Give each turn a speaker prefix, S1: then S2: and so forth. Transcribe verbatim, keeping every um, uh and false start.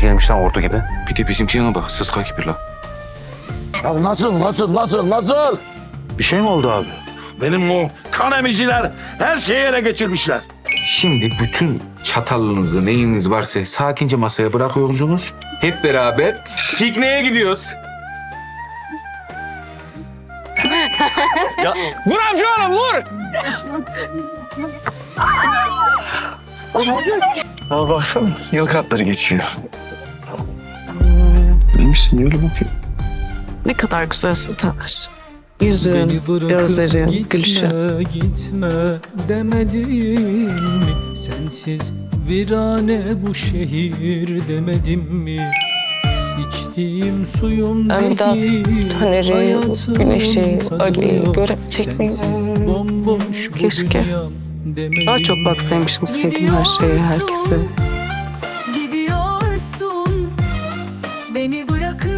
S1: kişi gelmiş lan ordu gibi.
S2: Bir de bizimkine bak, sıska gibi la.
S3: Ya nasıl, nasıl, nasıl, nasıl?
S1: Bir şey mi oldu abi?
S3: Benim o kan emiciler her şeyi ele geçirmişler.
S2: Şimdi bütün çatalınızı, neyiniz varsa sakince masaya bırakıyorsunuz. Hep beraber pikniğe gidiyoruz.
S3: Vur amca oğlum, vur!
S1: Ama baksana yıl katları geçiyor.
S2: Neymişsin öyle bakayım.
S4: Ne kadar güzelsin Taner. Yüzün, gözlerin, gülüşün.
S5: Gitme demedim mi? Sensiz virane bu şehir demedim mi? İçtiğim suyum
S4: Ben bir daha
S5: zehir,
S4: Taner'i,
S5: hayatım
S4: Güneş'i,
S5: tadı
S4: Ali'yi
S5: yok.
S4: göremeyecek miyim?
S5: Sensiz bomboş bu
S4: Keşke.
S5: dünyam demedim
S4: Daha çok
S5: mi?
S4: baksaymışım sevdiğim her şeye, herkese.
S6: Gidiyorsun, beni bırakıp